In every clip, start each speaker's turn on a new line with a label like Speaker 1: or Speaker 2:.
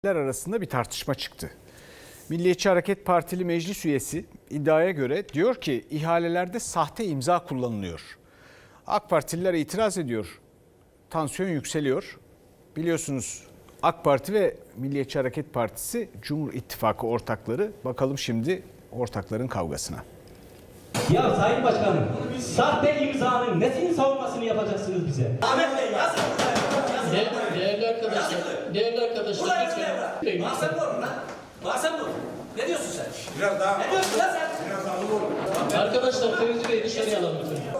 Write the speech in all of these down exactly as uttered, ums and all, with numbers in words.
Speaker 1: arasında bir tartışma çıktı. Milliyetçi Hareket Partili meclis üyesi iddiaya göre diyor ki ihalelerde sahte imza kullanılıyor. AK Partililer itiraz ediyor. Tansiyon yükseliyor. Biliyorsunuz AK Parti ve Milliyetçi Hareket Partisi Cumhur İttifakı ortakları. Bakalım şimdi ortakların kavgasına.
Speaker 2: Ya Sayın Başkanım, sahte imzanın nesini savunmasını yapacaksınız bize?
Speaker 3: Ahmet Bey yazın.
Speaker 4: De değerli arkadaşlar, değerli arkadaşlar
Speaker 3: Burada
Speaker 4: lütfen.
Speaker 3: yazın evra. Mahsen bu lan. Mahsen bu. Ne diyorsun sen?
Speaker 5: Biraz daha.
Speaker 3: Ne diyorsun lan sen?
Speaker 5: Biraz daha olur.
Speaker 4: Arkadaşlar Fevzi Bey dışarıya alalım lütfen.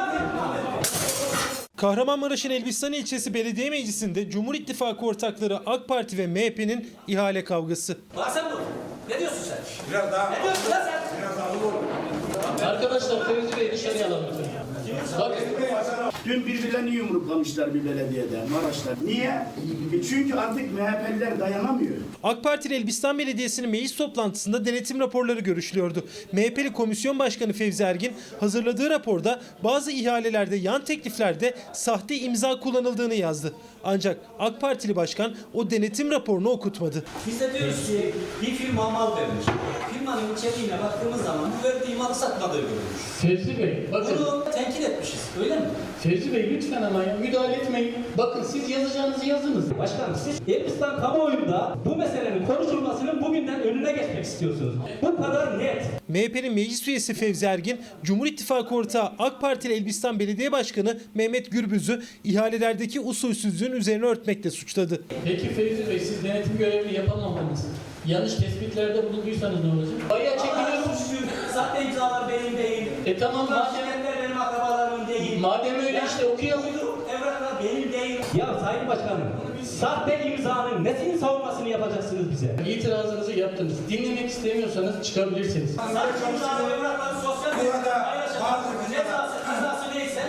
Speaker 6: Kahramanmaraş'ın Elbistan ilçesi belediye meclisinde Cumhur İttifakı ortakları AK Parti ve M H P'nin ihale kavgası.
Speaker 3: Mahsen bu. Ne diyorsun sen?
Speaker 5: Biraz daha.
Speaker 3: Ne diyorsun lan sen?
Speaker 5: Biraz daha olur.
Speaker 4: Arkadaşlar Fevzi Bey dışarıya alalım lütfen. Bakın.
Speaker 7: Dün birbirlerini yumruklamışlar bir belediyede, Maraş'ta. Niye? E çünkü artık M H P'liler dayanamıyor.
Speaker 6: AK Partili Elbistan Belediyesi'nin meclis toplantısında denetim raporları görüşülüyordu. M H P'li Komisyon Başkanı Fevzi Ergin hazırladığı raporda bazı ihalelerde, yan tekliflerde sahte imza kullanıldığını yazdı. Ancak AK Partili Başkan o denetim raporunu okutmadı.
Speaker 2: Biz de diyoruz ki bir firma mal vermiş. Firmanın içeriğine baktığımız zaman bu verdiği malı satmadığı görülmüş.
Speaker 4: Fevzi Bey bakın.
Speaker 2: Bunu tenkit etmişiz, öyle mi?
Speaker 4: Fevzi Bey lütfen ama ya, müdahale etmeyin. Bakın siz yazacağınızı yazınız.
Speaker 2: Başkanım siz Elbistan kamuoyunda bu meselenin konuşulmasının bugünden önüne geçmek istiyorsunuz. Bu kadar net.
Speaker 6: M H P'nin meclis üyesi Fevzi Ergin, Cumhur İttifakı ortağı AK Partili Elbistan Belediye Başkanı Mehmet Gürbüz'ü ihalelerdeki usulsüzlüğün üzerine örtmekle suçladı.
Speaker 4: Peki Fevzi Bey siz denetim görevini yapamadınız. Yanlış tespitlerde bulunduysanız ne olacak? Bayağı çekiliyorsunuz.
Speaker 2: Sahte imzalar benim değil.
Speaker 4: E tamam madem,
Speaker 2: Şirketler benim akrabalarımın değil.
Speaker 4: madem öyle işte okuyalım.
Speaker 2: Uyduruk evraklar benim değil. Ya Sayın Başkanım, sahte imzanın nesini savunmasını yapacaksınız bize?
Speaker 4: İtirazınızı yaptınız. Dinlemek istemiyorsanız çıkabilirsiniz.
Speaker 2: Sahte imzalı evrakları sosyal medyada paylaşalım. Cezası, cezası neyse.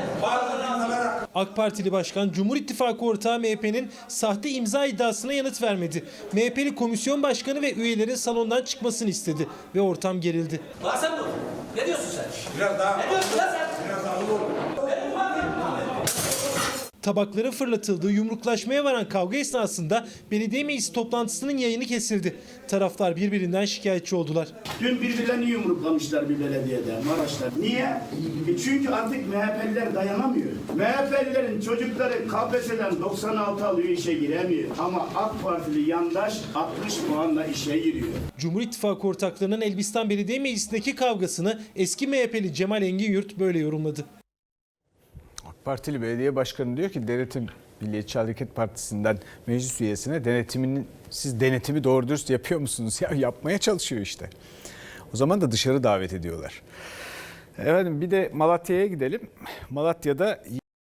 Speaker 6: AK Partili Başkan, Cumhur İttifakı ortağı M H P'nin sahte imza iddiasına yanıt vermedi. M H P'li Komisyon Başkanı ve üyelerin salondan çıkmasını istedi ve ortam gerildi.
Speaker 3: Mahsen bu. Ne diyorsun sen?
Speaker 5: Biraz daha.
Speaker 3: Ne diyorsun lan sen?
Speaker 5: Biraz daha olur.
Speaker 6: Tabakların fırlatıldığı, yumruklaşmaya varan kavga esnasında belediye meclisi toplantısının yayını kesildi. Taraflar birbirinden şikayetçi oldular.
Speaker 7: Dün birbirlerini yumruklamışlar bir belediyede, Maraş'ta. Niye? E çünkü artık M H P'liler dayanamıyor. M H P'lilerin çocukları K P S S'den doksan altı alıyor, işe giremiyor. Ama AK Partili yandaş altmış puanla işe giriyor.
Speaker 6: Cumhur İttifakı ortaklarının Elbistan Belediye Meclisi'ndeki kavgasını eski M H P'li Cemal Engin-Yurt böyle yorumladı.
Speaker 1: AK Partili belediye başkanı diyor ki denetim Milliyetçi Hareket Partisi'nden meclis üyesine denetiminin siz denetimi doğru dürüst yapıyor musunuz? Ya yapmaya çalışıyor işte. O zaman da dışarı davet ediyorlar. Efendim bir de Malatya'ya gidelim. Malatya'da